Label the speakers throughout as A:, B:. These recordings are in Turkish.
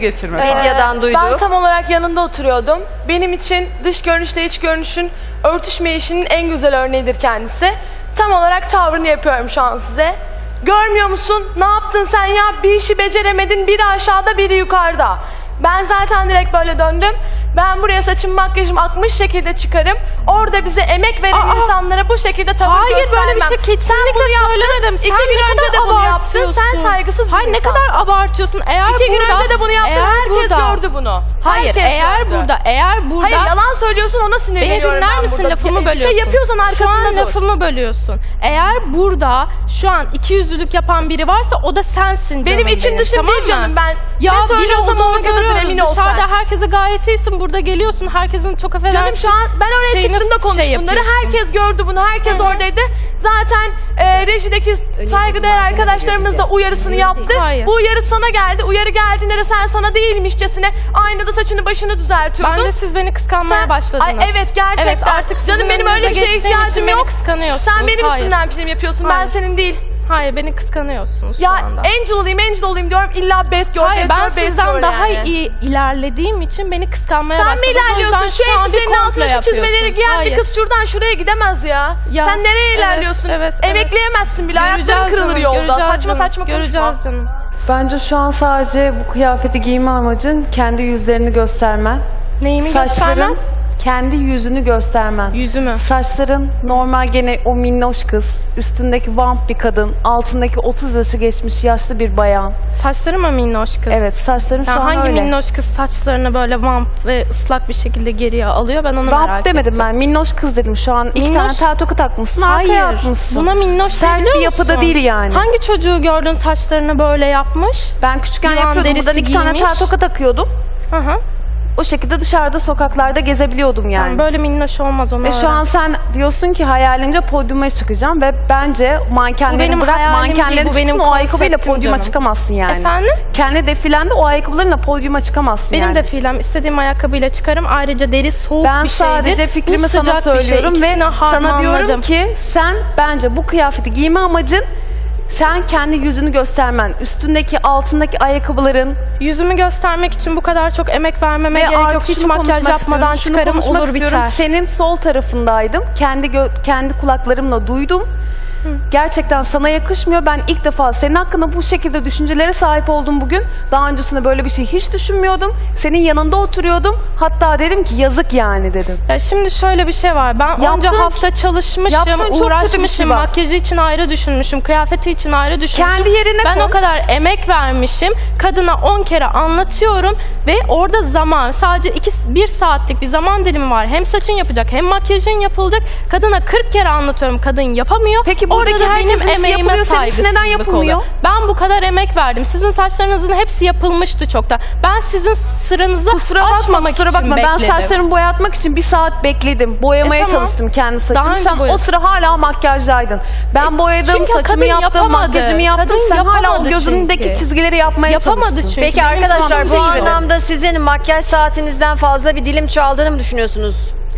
A: Medyadan duyduk.
B: Ben tam olarak yanında oturuyordum. Benim için dış görünüşle iç görünüşün örtüşmeyişinin en güzel örneğidir kendisi. Tam olarak tavrını yapıyorum şu an size. Görmüyor musun? Ne yaptın sen ya? Bir işi beceremedin, biri aşağıda, biri yukarıda. Ben zaten direkt böyle döndüm. Ben buraya saçım makyajım akmış şekilde çıkarım. Orada bize emek veren insanlara bu şekilde tavır göstermem.
C: Hayır böyle bir şey kesinlikle söylemedim.
B: Sen 2 gün önce de bunu yaptın. Sen saygısız bir
C: Hayır ne kadar abartıyorsun. Eğer
B: 2 gün önce de bunu yaptın. Herkes gördü bunu.
C: Hayır
B: Herkes
C: eğer
B: gördü.
C: burada.
B: Hayır yalan söylüyorsun, ona sinirleniyorum.
C: Beni dinler misin, lafımı bölüyorsun.
B: Bir şey yapıyorsan arkasında dur.
C: Şu an lafımı bölüyorsun. Eğer burada şu an ikiyüzlülük yapan biri varsa o da sensin canım
B: benim. içim dışım
C: tamam
B: bir canım ben.
C: Ya
B: ne söylüyorsam oradadır, emin ol sen.
C: Dışarıda herkese gayet iyisin. Burada geliyorsun. Herkesin çok affedersin.
B: Canım şu an ben oraya çıktığımda konuş bunları. Herkes gördü bunu. Herkes oradaydı. Zaten rejideki saygıdeğer arkadaşlarımız da uyarısını yaptı.
C: Hayır.
B: Bu uyarı sana geldi. Uyarı geldiğinde de sen sana değilmişçesine aynada saçını başını düzeltiyordun.
C: Bence siz beni kıskanmaya başladınız.
B: Ay, evet gerçekten.
C: Evet, artık
B: canım benim öyle bir şeye ihtiyacım yok.
C: Beni kıskanıyorsunuz.
B: Sen benim üstümden film yapıyorsun.
C: Hayır.
B: Ben senin değil.
C: Hayır beni kıskanıyorsunuz
B: ya,
C: şu anda.
B: Angel olayım diyorum. İlla bad girl,
C: hayır, ben sizden daha
B: yani.
C: iyi ilerlediğim için beni kıskanmaya başladınız.
B: Sen mi ilerliyorsun? Şu elbisenin altına şu çizmeleri giyen bir kız şuradan şuraya gidemez ya. Sen nereye ilerliyorsun?
C: Evet.
B: Emekleyemezsin bile. Ayakların kırılır yolda. Saçma saçma konuşma.
C: Göreceğiz canım.
D: Bence şu an sadece bu kıyafeti giyme amacın kendi yüzlerini göstermen.
C: Neyimi göstermem?
D: Kendi yüzünü göstermen.
C: Yüzümü.
D: Saçların normal gene o minnoş kız. Üstündeki vamp bir kadın. Altındaki 30 yaşı geçmiş yaşlı bir bayan.
C: Saçları mı minnoş kız?
D: Evet saçların şu an
C: hangi
D: öyle.
C: minnoş kız saçlarını böyle vamp ve ıslak bir şekilde geriye alıyor? Ben onu merak ettim.
D: Vamp demedim ben. Minnoş kız dedim. Şu an iki tane tel toka takmışsın. Arkaya atmışsın.
C: Buna minnoş
D: sert bir yapıda değil yani.
C: Hangi çocuğu gördün saçlarını böyle yapmış?
D: Ben küçükken yapıyordum. Buradan 2 tane tel toka takıyordum.
C: Hı hı.
D: O şekilde dışarıda sokaklarda gezebiliyordum yani.
C: Yani böyle minnoş olmaz ona.
D: Ve şu an sen diyorsun ki hayalince podyuma çıkacağım ve bence mankenlerini bırak, mankenlerin çıksın, o ayakkabıyla podyuma çıkamazsın yani.
C: Efendim?
D: Kendi defilende o ayakkabılarınla podyuma çıkamazsın
C: benim
D: yani.
C: Benim defilem istediğim ayakkabıyla çıkarım. Ayrıca deri soğuk
D: ben
C: bir şeydir.
D: Ben sadece fikrimi sana söylüyorum ve sana diyorum ki sen bence bu kıyafeti giyme amacın sen kendi yüzünü göstermen, üstündeki altındaki ayakkabıların.
C: Yüzümü göstermek için bu kadar çok emek vermeme gerek yok. Hiç makyaj yapmadan çıkarım olur biter.
D: Senin sol tarafındaydım. Kendi kulaklarımla duydum. Gerçekten sana yakışmıyor. Ben ilk defa senin hakkında bu şekilde düşüncelere sahip oldum bugün. Daha öncesinde böyle bir şey hiç düşünmüyordum. Senin yanında oturuyordum. Hatta dedim ki yazık yani dedim.
C: Ya şimdi şöyle bir şey var. Ben onca hafta çalışmışım, uğraşmışım, makyajı için ayrı düşünmüşüm, kıyafeti için ayrı düşünmüşüm.
D: Kendi yerine
C: ben o kadar emek vermişim. Kadına 10 kere anlatıyorum ve orada zaman, sadece 1 saatlik bir zaman dilimi var. Hem saçın yapacak, hem makyajın yapılacak. Kadına 40 kere anlatıyorum. Kadın yapamıyor.
D: Peki buradaki herkesin yapılıyor, seninki neden yapılmıyor?
C: Ben bu kadar emek verdim. Sizin saçlarınızın hepsi yapılmıştı çoktan. Ben sizin sıranızı aşmamak için bekledim.
D: Ben saçlarımı boyatmak için 1 saat bekledim. Boyamaya çalıştım kendi saçımı. Sen o sıra hala makyajdaydın. Ben boyadım, saçımı yaptım, makyajımı yaptım. Sen hala o gözündeki çizgileri yapmaya çalıştın.
A: Peki arkadaşlar bu anlamda sizin makyaj saatinizden fazla bir dilim çaldığını mı düşünüyorsunuz?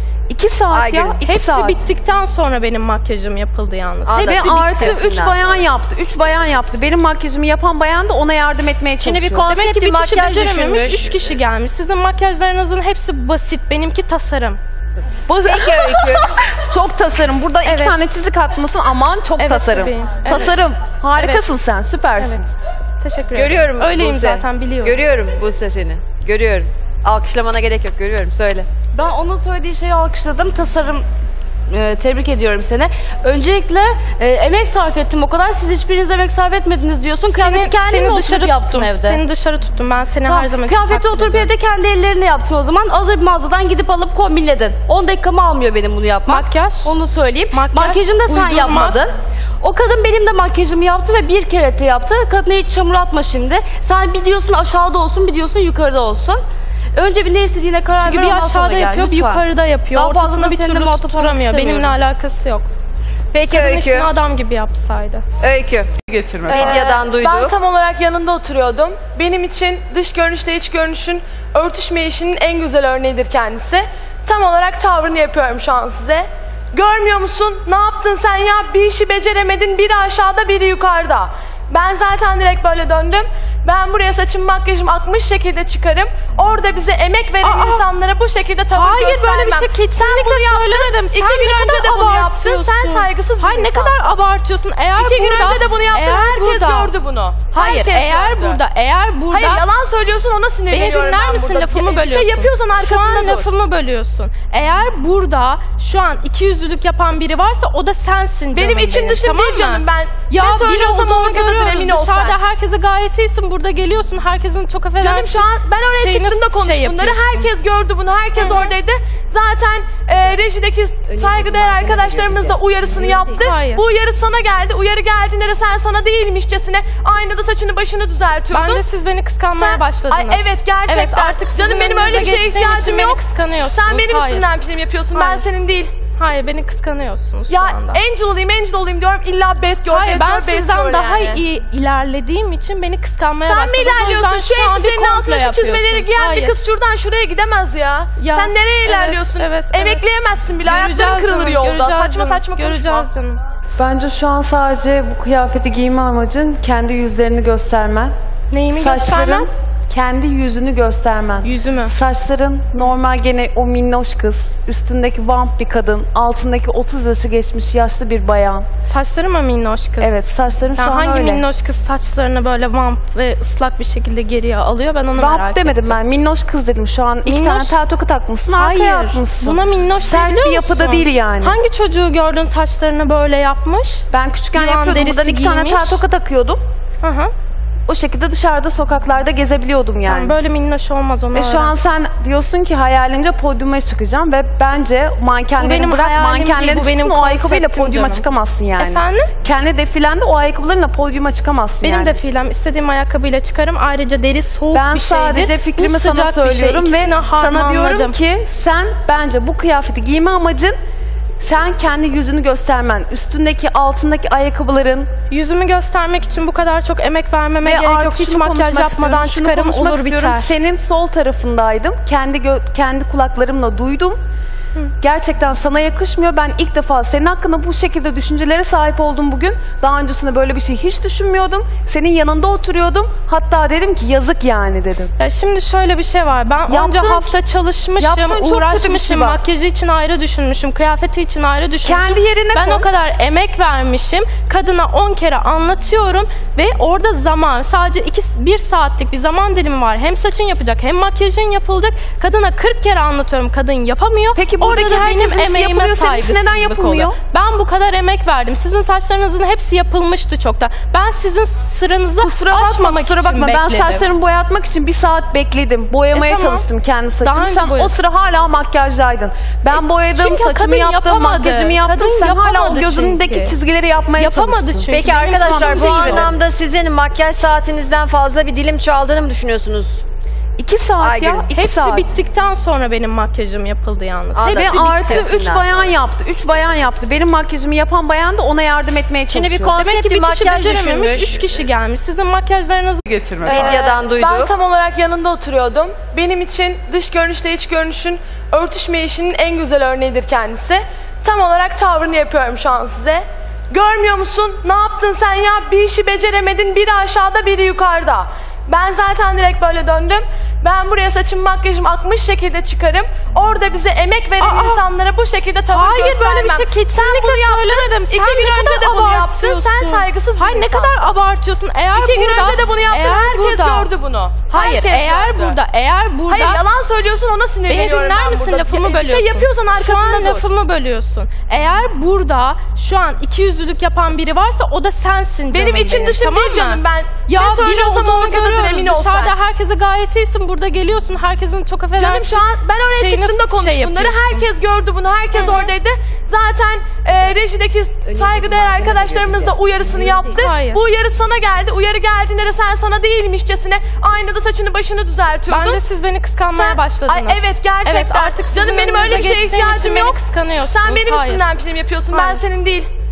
D: 2 saat ya.
C: Hepsi bittikten sonra benim makyajım yapıldı yalnız.
D: Ve artı 3 bayan yaptı. 3 bayan yaptı. Benim makyajımı yapan bayan da ona yardım etmeye çalışıyor.
A: Şimdi bir konsept bir makyaj düşünmüş.
C: 3 kişi gelmiş. Sizin makyajlarınızın hepsi basit. Benimki tasarım.
A: Peki Öykü.
D: Çok tasarım. Burada 2 tane çizik atmasın. Aman çok tasarım. Tasarım. Harikasın sen. Süpersin.
C: Teşekkür ederim.
A: Görüyorum
C: öyleyim
A: Buse.
C: Zaten biliyorum.
A: Görüyorum Buse seni. Görüyorum. Alkışlamana gerek yok. Görüyorum. Söyle.
E: Ben onun söylediği şeyi alkışladım. Tasarım, tebrik ediyorum seni. Öncelikle emek sarf ettim o kadar. Siz hiçbiriniz emek sarf etmediniz diyorsun. Kıyafeti kendin dışarı yaptın evde.
C: Seni dışarı tuttum. Ben seni her zaman
E: kıyafeti oturup evde kendi ellerini yaptın o zaman. Hazır bir mağazadan gidip alıp kombinledin. 10 dakikamı almıyor benim bunu yapmak.
C: Makyaj.
E: Onu söyleyeyim.
C: Makyajını
E: da sen yapmadın. O kadın benim de makyajımı yaptı ve 1 kere yaptı. Kadına hiç çamur atma şimdi. Sen bir diyorsun aşağıda olsun, bir diyorsun yukarıda olsun. Önce bir ne istediğine karar ver.
C: Çünkü bir aşağıda yapıyor, bir yukarıda yapıyor.
E: Daha
C: ortasında bir türlü tutturamıyor. Benimle alakası yok.
A: Peki
C: Kadın
A: Öykü.
C: işini adam gibi yapsaydı.
A: Öykü. Medyadan duyduk.
B: Ben tam olarak yanında oturuyordum. Benim için dış görünüşle iç görünüşün örtüşmeyişinin en güzel örneğidir kendisi. Tam olarak tavrını yapıyorum şu an size. Görmüyor musun? Ne yaptın sen ya? Bir işi beceremedin, biri aşağıda, biri yukarıda. Ben zaten direkt böyle döndüm. Ben buraya saçım makyajım akmış şekilde çıkarım. Orada bize emek veren insanlara bu şekilde tavır
C: Hayır
B: göstermem.
C: böyle bir şey kesinlikle söylemedim. Sen
B: 2 gün
C: ne
B: önce de
C: kadar
B: bunu yaptın.
C: abartıyorsun.
B: Sen saygısız bir
C: Hayır ne
B: insansın.
C: kadar abartıyorsun. Eğer
B: 2 gün
C: burada,
B: önce de bunu yaptın. Herkes gördü bunu.
C: Hayır
B: Herkes
C: eğer
B: gördü.
C: burada
B: Hayır yalan söylüyorsun ona
C: Beni
B: sinirleniyorum
C: dinler
B: ben
C: misin?
B: burada.
C: Lafımı
B: Bir
C: bölüyorsun.
B: şey yapıyorsan
C: Şu
B: arkasında
C: an
B: dur.
C: lafımı bölüyorsun. Eğer burada şu an ikiyüzlülük yapan biri varsa o da sensin canım
B: Benim içim dışım
C: tamam
B: bir
C: mı?
B: canım ben.
C: Ya
B: ne
C: biri
B: söylüyorsam
C: olduğunu
B: oradadır
C: görüyoruz.
B: emin ol sen.
C: Dışarıda herkese gayet iyisin. Burada geliyorsun. Herkesin çok affedersin.
B: Canım şu an ben oraya
C: şeyini
B: çıktım da konuş
C: şey
B: bunları.
C: yapıyorsun.
B: Herkes gördü bunu. Herkes oradaydı. Zaten rejideki saygıdeğer arkadaşlarımız da uyarısını yaptı.
C: Hayır.
B: Bu uyarı sana geldi. Uyarı geldiğinde de sen sana değilmişçesine aynada saçını başını düzeltiyordun.
C: Bence siz beni kıskanmaya başladınız.
B: Ay evet gerçekten.
C: Evet artık sizin
B: Canım benim öyle bir
C: önünüze
B: şeye
C: geçtiğim için
B: ihtiyacım
C: beni
B: yok.
C: kıskanıyorsunuz.
B: Sen benim
C: Hayır.
B: üstümden prim yapıyorsun. Ben
C: Hayır.
B: senin değil.
C: Hayır beni kıskanıyorsunuz
B: Ya
C: şu anda.
B: angel olayım diyorum. İlla bad girl,
C: Hayır
B: bad
C: ben
B: girl, bad
C: sizden
B: girl
C: daha
B: yani.
C: iyi ilerlediğim için beni kıskanmaya
B: Sen mi
C: başladınız. O yüzden
B: ilerliyorsun? Şu
C: an bir
B: elbisenin altına
C: komple
B: şu çizmeleri
C: yapıyorsunuz.
B: giyen
C: Hayır.
B: bir kız şuradan şuraya gidemez ya.
C: Ya,
B: Sen nereye
C: evet,
B: ilerliyorsun?
C: evet.
B: Emekleyemezsin bile. Ayakların
C: Göreceğiz
B: kırılır
C: canım,
B: yolda.
C: göreceğiz
B: Saçma
C: canım,
B: saçma konuşma.
C: göreceğiz canım.
D: Bence şu an sadece bu kıyafeti giyme amacın kendi yüzlerini göstermen.
C: Neyimi
D: Saçların
C: göstermem?
D: kendi yüzünü göstermen.
C: Yüzümü.
D: Saçların normal gene o minnoş kız, üstündeki vamp bir kadın, altındaki 30 yaşı geçmiş yaşlı bir bayan.
C: Saçları mı minnoş kız?
D: Evet saçların şu
C: Ya
D: an
C: hangi
D: öyle.
C: minnoş kız saçlarını böyle vamp ve ıslak bir şekilde geriye alıyor? Ben onu merak
D: Vamp demedim
C: ettim.
D: ben, minnoş kız dedim. Şu an iki
C: Minnoş-
D: tane tel toka takmışsın, arkaya
C: Hayır.
D: atmışsın.
C: Buna minnoş
D: Sert
C: biliyor
D: bir yapıda
C: musun?
D: değil yani.
C: Hangi çocuğu gördün saçlarını böyle yapmış?
D: Ben küçükken
C: Yılan
D: yapıyordum. Buradan
C: derisi
D: iki tane tel
C: giymiş.
D: toka takıyordum.
C: Hı hı.
D: O şekilde dışarıda sokaklarda gezebiliyordum yani.
C: Yani böyle minnoş olmaz onu
D: Ve şu an sen diyorsun ki hayalince podyuma çıkacağım ve bence
C: Bu
D: mankenleri
C: benim
D: bırak,
C: hayalim
D: mankenlerin
C: değil, bu benim
D: çıksın o ayakkabıyla
C: konseptim
D: podyuma
C: canım.
D: çıkamazsın yani.
C: Efendim?
D: Kendi defilende o ayakkabılarınla podyuma çıkamazsın
C: Benim
D: yani.
C: defilem istediğim ayakkabıyla çıkarım. Ayrıca deri soğuk
D: Ben
C: bir şeydir.
D: sadece fikrimi
C: Bu
D: sana
C: sıcak bir şey.
D: söylüyorum ve
C: İkisini
D: sana diyorum
C: harmanladım.
D: ki sen bence bu kıyafeti giyme amacın sen kendi yüzünü göstermen, üstündeki altındaki ayakkabıların
C: Yüzümü göstermek için bu kadar çok emek vermeme
D: ve
C: gerek yok.
D: artık
C: Hiç
D: şunu
C: makyaj
D: konuşmak
C: yapmadan
D: istiyorum, şunu
C: çıkarım
D: konuşmak
C: olur
D: istiyorum.
C: biter.
D: Senin sol tarafındaydım. Kendi kulaklarımla duydum. Gerçekten sana yakışmıyor. Ben ilk defa senin hakkında bu şekilde düşüncelere sahip oldum bugün. Daha öncesinde böyle bir şey hiç düşünmüyordum. Senin yanında oturuyordum. Hatta dedim ki yazık yani dedim.
C: Ya şimdi şöyle bir şey var. Ben onca
D: Yaptığın-
C: hafta çalışmışım,
D: yaptığın çok kötü bir şey
C: uğraşmışım,
D: var.
C: makyajı için ayrı düşünmüşüm, kıyafeti için ayrı düşünmüşüm.
D: Kendi yerine
C: Ben
D: koy.
C: o kadar emek vermişim. Kadına 10 kere anlatıyorum ve orada zaman sadece 1 saatlik bir zaman dilimi var. Hem saçın yapacak hem makyajın yapılacak. Kadına 40 kere anlatıyorum. Kadın yapamıyor.
D: Peki
C: Orada
D: buradaki
C: da benim
D: herkesin
C: emeğime
D: yapılıyor, seninkisi
C: saygısızlık
D: neden yapılmıyor?
C: oluyor. Ben bu kadar emek verdim. Sizin saçlarınızın hepsi yapılmıştı çoktan. Ben sizin sıranızı
D: Kusura bakma
C: için
D: ben
C: bekledim.
D: saçlarımı boyatmak için 1 saat bekledim. Boyamaya
C: tamam.
D: çalıştım kendi
C: Daha
D: saçımı.
C: önce
D: Sen o
C: boyadın.
D: sıra hala makyajdaydın. Ben boyadım,
C: çünkü
D: saçımı
C: kadın
D: yaptım,
C: yapamadı.
D: makyajımı yaptım.
C: Kadın
D: Sen hala o
C: yapamadı
D: gözündeki
C: çünkü.
D: çizgileri yapmaya
C: Yapamadı
D: çalıştın.
C: çünkü.
A: Peki
C: Benim
A: arkadaşlar bu
C: saçım değil o.
A: anlamda sizin makyaj saatinizden fazla bir dilim çaldığını mı düşünüyorsunuz?
D: 2 saat
A: Aygül,
D: ya. 2
C: Hepsi
D: saat.
C: bittikten sonra benim makyajım yapıldı yalnız.
A: Anladım.
D: Ve
A: Hepsi
D: artı
A: bitti
D: 3
A: hepsinden
D: bayan
A: sonra.
D: yaptı. 3 bayan yaptı. Benim makyajımı yapan bayan da ona yardım etmeye
A: Şimdi
D: çalışıyor.
A: bir konsept
C: Demek ki
A: bir
C: bir kişi
A: makyaj
C: becerememiş,
A: düşünmüş.
C: 3 kişi gelmiş. Sizin makyajlarınız
A: Medyadan duyduk.
B: Ben tam olarak yanında oturuyordum. Benim için dış görünüşle iç görünüşün örtüşmeyişinin en güzel örneğidir kendisi. Tam olarak tavrını yapıyorum şu an size. Görmüyor musun? Ne yaptın sen ya? Bir işi beceremedin. Biri aşağıda, biri yukarıda. Ben zaten direkt böyle döndüm. Ben buraya saçım makyajım akmış şekilde çıkarım. Orada bize emek veren insanlara bu şekilde tavır
C: Hayır
B: göstermem.
C: böyle bir şey kesinlikle söylemedim.
B: 2
C: Sen
B: gün
C: ne
B: önce
C: kadar
B: de bunu yaptın.
C: abartıyorsun.
B: Sen saygısız bir
C: Hayır ne
B: insansın.
C: kadar abartıyorsun. Eğer
B: 2 gün
C: burada,
B: önce de bunu yaptın.
C: eğer
B: Herkes
C: burada-
B: gördü bunu.
C: Hayır
B: Herkes
C: eğer
B: gördü.
C: burada
B: Hayır yalan söylüyorsun ona
C: Beni
B: sinirleniyorum
C: dinler
B: ben
C: misin?
B: burada.
C: Lafımı
B: Bir
C: bölüyorsun.
B: şey yapıyorsan
C: Şu
B: arkasında
C: an
B: dur.
C: lafımı bölüyorsun. Eğer burada şu an ikiyüzlülük yapan biri varsa o da sensin canım
B: Benim içim dışım
C: tamam
B: bir
C: mı?
B: canım ben.
C: Ya
B: ne
C: biri
B: söylüyorsam
C: olduğunu
B: oradadır
C: görüyoruz.
B: emin ol sen.
C: Dışarıda herkese gayet iyisin. Burada geliyorsun. Herkesin çok affedersin.
B: Canım şu an ben oraya
C: şeyini
B: çıktım da konuş
C: şey
B: bunları.
C: yapıyorsun.
B: Herkes gördü bunu. Herkes oradaydı. Zaten rejideki saygıdeğer arkadaşlarımız da uyarısını yaptı.
C: Hayır.
B: Bu uyarı sana geldi. Uyarı geldiğinde de sen sana değilmişçesine aynada saçını başını düzeltiyordun.
C: Bence siz beni kıskanmaya
B: Sen-
C: başladınız.
B: Ay, evet, gerçekten.
C: Evet artık
B: Canım
C: sizin
B: benim öyle bir
C: önünüze
B: şeye
C: geçtiğim için
B: ihtiyacım
C: beni
B: yok.
C: kıskanıyorsunuz.
B: Sen benim
C: Hayır.
B: üstümden prim yapıyorsun. Ben
C: Hayır.
B: senin değil.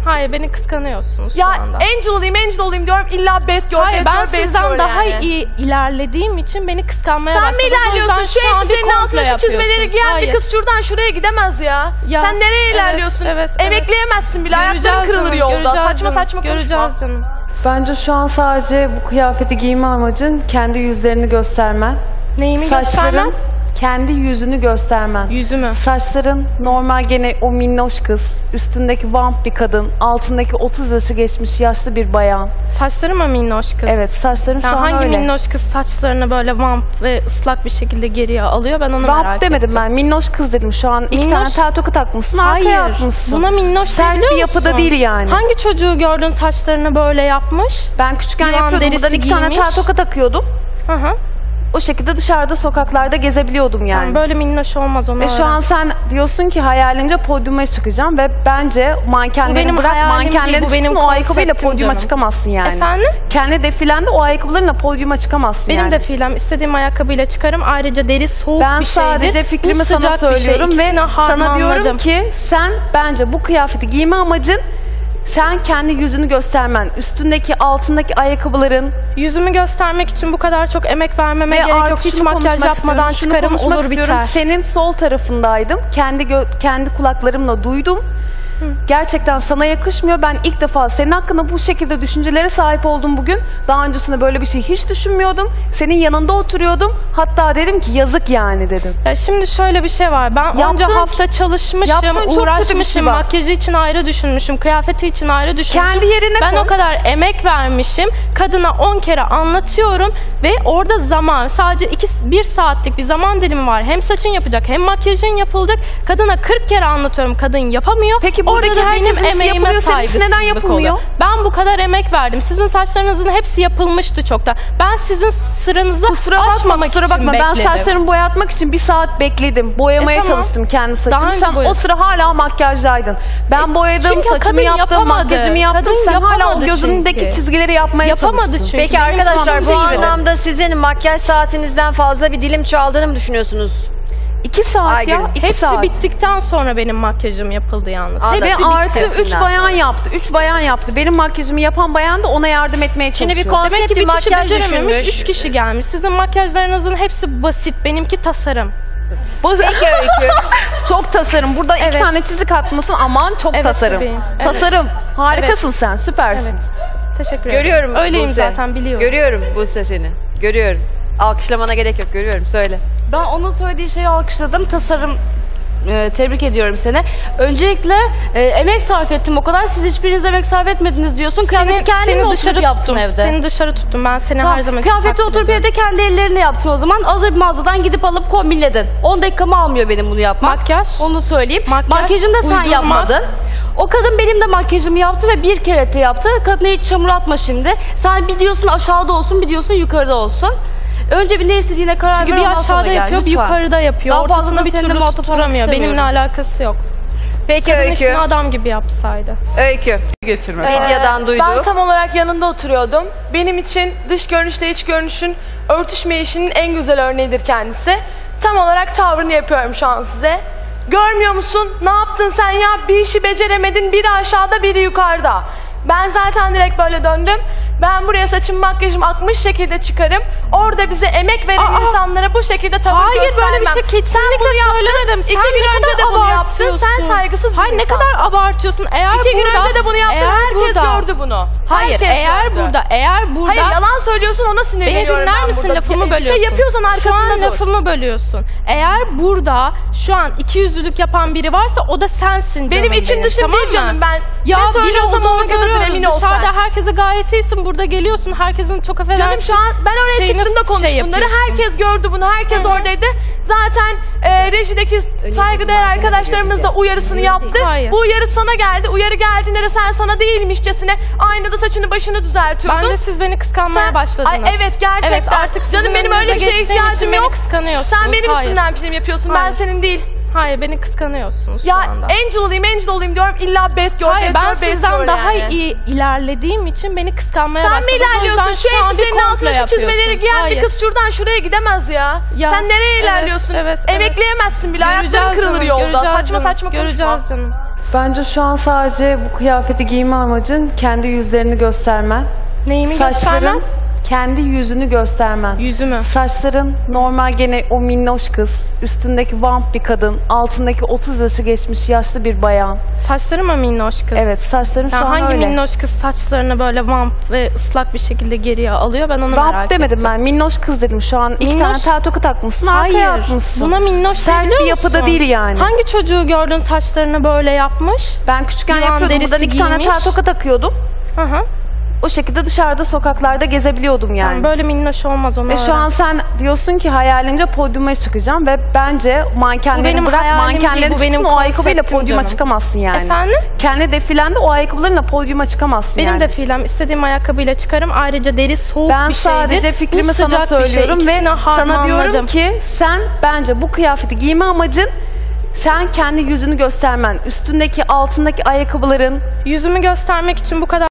C: Hayır, beni kıskanıyorsunuz
B: Ya
C: şu anda.
B: Angel olayım diyorum, illa bet gör,
C: Hayır,
B: bet
C: ben
B: gör, bet
C: sizden
B: gör
C: daha
B: yani.
C: iyi ilerlediğim için beni kıskanmaya
B: Sen mi
C: başladınız. O
B: ilerliyorsun?
C: yüzden
B: Şu
C: an bir
B: elbisenin
C: komple
B: altına şu çizmeleri
C: yapıyorsunuz.
B: giyen
C: Hayır.
B: bir kız şuradan şuraya gidemez ya.
C: Ya,
B: Sen nereye
C: evet,
B: ilerliyorsun?
C: evet.
B: Emekleyemezsin bile, ayakların
C: Göreceğiz
B: kırılır
C: canım,
B: yolda.
C: göreceğiz
B: Saçma
C: canım,
B: saçma konuşma.
C: göreceğiz canım.
D: Bence şu an sadece bu kıyafeti giyme amacın kendi yüzlerini göstermen.
C: Neyimi
D: Saçların,
C: göstermem?
D: kendi yüzünü göstermen.
C: Yüzümü.
D: Saçların normal gene o minnoş kız, üstündeki vamp bir kadın, altındaki 30 yaşı geçmiş yaşlı bir bayan.
C: Saçları mı minnoş kız?
D: Evet, saçların şu
C: Yani
D: an
C: hangi
D: öyle.
C: minnoş kız saçlarını böyle vamp ve ıslak bir şekilde geriye alıyor? Ben onu merak
D: Vamp demedim
C: ettim.
D: ben, minnoş kız dedim. Şu an iki
C: Minnoş-
D: tane tel toku takmışsın, arkaya
C: Hayır.
D: atmışsın.
C: Buna minnoş
D: Sert
C: biliyor
D: bir yapıda
C: musun?
D: değil yani.
C: Hangi çocuğu gördün saçlarını böyle yapmış?
D: Ben küçükken
C: Yılan
D: yapıyordum. Buradan
C: derisi
D: iki tane tel
C: giymiş.
D: toka takıyordum.
C: Hı hı.
D: O şekilde dışarıda sokaklarda gezebiliyordum yani.
C: Yani böyle minnoş olmaz onu
D: Ve şu an sen diyorsun ki hayalince podyuma çıkacağım ve bence
C: Bu
D: mankenleri
C: benim
D: bırak,
C: hayalim değil,
D: mankenlerin
C: bu benim
D: çıksın, o ayakkabıyla
C: konseptim
D: podyuma
C: canım.
D: çıkamazsın yani.
C: Efendim?
D: Kendi defilende o ayakkabılarınla podyuma çıkamazsın
C: Benim
D: yani.
C: defilem istediğim ayakkabıyla çıkarım. Ayrıca deri soğuk
D: Ben
C: bir şeydir.
D: sadece fikrimi
C: Bu
D: sana
C: sıcak bir şey.
D: söylüyorum ve
C: İkisini
D: sana diyorum
C: harmanladım.
D: ki sen bence bu kıyafeti giyme amacın sen kendi yüzünü göstermen, üstündeki altındaki ayakkabıların
C: Yüzümü göstermek için bu kadar çok emek vermeme
D: ve
C: gerek yok.
D: artı
C: Hiç
D: şunu
C: makyaj
D: konuşmak
C: yapmadan
D: istiyorum, şunu
C: çıkarım
D: konuşmak
C: olur
D: istiyorum.
C: biter.
D: Senin sol tarafındaydım. Kendi kulaklarımla duydum. Gerçekten sana yakışmıyor. Ben ilk defa senin hakkında bu şekilde düşüncelere sahip oldum bugün. Daha öncesinde böyle bir şey hiç düşünmüyordum. Senin yanında oturuyordum. Hatta dedim ki yazık yani dedim.
C: Ya şimdi şöyle bir şey var. Ben onca
D: Yaptığın-
C: hafta çalışmışım,
D: yaptığın çok kötü bir
C: uğraşmışım,
D: şey var.
C: makyajı için ayrı düşünmüşüm, kıyafeti için ayrı düşünmüşüm.
D: Kendi yerine
C: Ben
D: koy.
C: o kadar emek vermişim. Kadına 10 kere anlatıyorum ve orada zaman, sadece 1 saatlik bir zaman dilimi var. Hem saçın yapacak, hem makyajın yapılacak. Kadına 40 kere anlatıyorum. Kadın yapamıyor.
D: Peki buradaki
C: orada da benim
D: herkesin
C: emeğime
D: yapılıyor, seninkisi neden
C: saygısızlık
D: yapılmıyor?
C: oluyor. Ben bu kadar emek verdim. Sizin saçlarınızın hepsi yapılmıştı çoktan. Ben sizin sıranızı
D: Kusura bakma,
C: aşmamak
D: kusura
C: için
D: bakma. Ben
C: bekledim.
D: saçlarımı boyatmak için 1 saat bekledim. Boyamaya
C: tamam.
D: çalıştım kendi saçımı.
C: Daha önce
D: Sen o
C: boyadın.
D: sıra hala makyajdaydın. Ben boyadım,
C: çünkü
D: saçımı
C: kadın
D: yaptım,
C: yapamadı.
D: makyajımı yaptım.
C: Kadın
D: Sen hala o
C: yapamadı
D: gözündeki
C: çünkü.
D: çizgileri yapmaya
C: Yapamadı
D: çalıştın.
C: çünkü.
A: Peki
C: Benim
A: arkadaşlar bu
C: saçım gibi.
A: anlamda sizin makyaj saatinizden fazla bir dilim çaldığını mı düşünüyorsunuz?
D: 2 saat
A: Aygül,
D: ya. 2
C: Hepsi
D: saat.
C: bittikten sonra benim makyajım yapıldı yalnız.
A: Anladım.
D: Ve
C: Hepsi
D: artı
C: bitti.
D: 3
A: hepsinden
D: bayan
A: sonra.
D: yaptı. 3 bayan yaptı. Benim makyajımı yapan bayan da ona yardım etmeye
A: Şimdi
D: çalışıyor.
A: bir konsept
C: Demek ki
A: bir
C: bir kişi
A: makyaj
C: becerememiş,
A: düşünmüş.
C: 3 kişi gelmiş. Sizin makyajlarınızın hepsi basit, benimki tasarım.
A: Peki Öykü.
D: Çok tasarım. Burada 2
C: Evet.
D: tane çizik atmasın. Aman çok
C: Evet,
D: tasarım.
C: bebeğim. Evet.
D: Tasarım. Harikasın sen. Süpersin.
C: Evet. Teşekkür ederim.
A: Görüyorum
C: Öyleyim
A: Buse.
C: zaten, biliyorum.
A: Görüyorum Buse seni. Görüyorum. Alkışlamana gerek yok. Görüyorum. Söyle.
E: Ben onun söylediği şeyi alkışladım. Tasarım tebrik ediyorum seni. Öncelikle emek sarf ettim o kadar. Siz hiçbiriniz emek sarf etmediniz diyorsun. Kıyafeti kendin mi
C: dışarı
E: oturup yaptın
C: tuttum.
E: evde?
C: Seni dışarı tuttum. Ben seni
E: Tamam,
C: her zaman için
E: kıyafeti
C: takdir
E: oturup
C: ediyorum.
E: evde kendi ellerinle yaptın o zaman. Hazır bir mağazadan gidip alıp kombinledin. 10 dakikamı almıyor benim bunu yapmak.
C: Makyaj.
E: Onu söyleyeyim.
C: Makyaj,
E: Makyajını da sen
C: uydurma.
E: yapmadın. O kadın benim de makyajımı yaptı ve bir kere de yaptı. Kadına hiç çamur atma şimdi. Sen bir diyorsun aşağıda olsun, bir diyorsun yukarıda olsun. Önce bir ne istediğine karar
C: Çünkü
E: ver,
C: bir
E: ondan sonra
C: aşağıda
E: gel,
C: yapıyor, bir
E: lütfen.
C: yukarıda yapıyor.
E: Daha
C: Ortasında
E: fazlasını
C: bir
E: seninle
C: türlü
E: muhatap olmak
C: tutturamıyor. Benimle
E: istemiyorum.
C: alakası yok.
A: Peki
C: Kadın
A: Öykü.
C: işini adam gibi yapsaydı.
A: Öykü. Medyadan duyduk.
B: Ben tam olarak yanında oturuyordum. Benim için dış görünüşle iç görünüşün örtüşmeyişinin en güzel örneğidir kendisi. Tam olarak tavrını yapıyorum şu an size. Görmüyor musun? Ne yaptın sen ya? Bir işi beceremedin. Biri aşağıda, biri yukarıda. Ben zaten direkt böyle döndüm. Ben buraya saçım makyajım akmış şekilde çıkarım. Orada bize emek veren insanlara bu şekilde tavır
C: Hayır
B: göstermem.
C: böyle bir şey kesinlikle söylemedim. Sen
B: 2 gün
C: ne
B: önce
C: kadar
B: de bunu yaptın.
C: abartıyorsun.
B: Sen saygısız bir
C: Hayır ne
B: insansın.
C: kadar abartıyorsun. Eğer
B: 2 gün
C: burada,
B: önce de bunu yaptın.
C: eğer
B: Herkes
C: burada-
B: gördü bunu.
C: Hayır
B: Herkes
C: eğer
B: gördü.
C: burada
B: Hayır yalan söylüyorsun, ona
C: Beni
B: sinirleniyorum
C: dinler
B: ben
C: misin?
B: burada.
C: Lafımı
B: Bir
C: bölüyorsun.
B: şey yapıyorsan
C: Şu
B: arkasında
C: an
B: dur.
C: lafımı bölüyorsun. Eğer burada şu an ikiyüzlülük yapan biri varsa o da sensin canım
B: Benim içim dışım
C: tamam
B: bir
C: mı?
B: canım ben.
C: Ya
B: ne
C: biri
B: söylüyorsam
C: olduğunu
B: oradadır, emin
C: görüyoruz.
B: ol sen.
C: Dışarıda herkese gayet iyisin. Burada geliyorsun. Herkesin çok affedersin.
B: Canım şu an ben oraya
C: şeyini
B: çıktığımda konuş
C: şey
B: bunları.
C: yapıyorsun.
B: Herkes gördü bunu. Herkes oradaydı. Zaten rejideki saygıdeğer arkadaşlarımız da uyarısını yaptı.
C: Hayır.
B: Bu uyarı sana geldi. Uyarı geldiğinde de sen sana değilmişçesine aynada saçını başını düzeltiyordun.
C: Bence siz beni kıskanmaya
B: Sen-
C: başladınız.
B: Ay, evet, gerçekten.
C: Evet artık sizin
B: Canım, benim öyle bir
C: önünüze
B: şeye
C: geçtiğim için
B: ihtiyacım
C: beni
B: yok.
C: kıskanıyorsunuz.
B: Sen benim
C: Hayır.
B: üstümden film yapıyorsun. Ben
C: Hayır.
B: senin değil.
C: Hayır beni kıskanıyorsunuz
B: Ya
C: şu anda.
B: Angel olayım diyorum. İlla bet gör,
C: Hayır
B: bet
C: ben
B: gör, bet
C: sizden
B: gör
C: daha
B: yani.
C: iyi ilerlediğim için beni kıskanmaya
B: Sen mi
C: başladınız. O
B: ilerliyorsun?
C: yüzden
B: Şu
C: an bir
B: elbisenin altına
C: komple
B: şu çizmeleri
C: yapıyorsunuz.
B: giyen
C: Hayır.
B: bir kız şuradan şuraya gidemez ya.
C: Ya,
B: Sen nereye
C: evet,
B: ilerliyorsun?
C: evet, evet.
B: Emekleyemezsin bile. Ayakların
C: Göreceğiz
B: kırılır
C: canım,
B: yolda.
C: göreceğiz
B: Saçma
C: canım,
B: saçma konuşma.
C: göreceğiz canım.
D: Bence şu an sadece bu kıyafeti giyme amacın kendi yüzlerini göstermen.
C: Neyimi göstermem?
D: Saçların kendi yüzünü göstermen.
C: Yüzümü.
D: Saçların normal gene o minnoş kız, üstündeki vamp bir kadın, altındaki 30 yaşı geçmiş yaşlı bir bayan.
C: Saçları mı minnoş kız?
D: Evet, saçların şu
C: Yani
D: an
C: hangi
D: öyle.
C: minnoş kız saçlarını böyle vamp ve ıslak bir şekilde geriye alıyor? Ben onu merak
D: Vamp demedim
C: ettim.
D: ben, minnoş kız dedim. Şu an iki
C: Minnoş-
D: tane tel toka takmışsın, arkaya
C: Hayır.
D: atmışsın.
C: Buna minnoş
D: Sert
C: biliyor
D: bir yapıda
C: musun?
D: değil yani.
C: Hangi çocuğu gördün saçlarını böyle yapmış?
D: Ben küçükken
C: Yılan
D: yapıyordum.
C: derisi
D: Buradan 2 tane
C: giymiş.
D: tel toka takıyordum.
C: Hı hı.
D: O şekilde dışarıda sokaklarda gezebiliyordum yani.
C: Yani böyle minnoş olmaz onu
D: Ve şu an sen diyorsun ki hayalince podyuma çıkacağım ve bence
C: Bu
D: mankenleri
C: benim
D: bırak,
C: hayalim
D: mankenlerin
C: değil, bu
D: çıksın,
C: benim
D: o ayakkabıyla
C: konseptim
D: podyuma
C: canım.
D: çıkamazsın yani.
C: Efendim?
D: Kendi defilende o ayakkabılarınla podyuma çıkamazsın
C: Benim
D: yani.
C: defilem istediğim ayakkabıyla çıkarım. Ayrıca deri soğuk
D: Ben
C: bir şeydir.
D: sadece
C: Bu
D: fikrimi sana
C: sıcak bir şey.
D: söylüyorum ve
C: İkisini
D: sana diyorum
C: harmanladım.
D: ki sen bence bu kıyafeti giyme amacın sen kendi yüzünü göstermen, üstündeki altındaki ayakkabıların
C: Yüzümü göstermek için bu kadar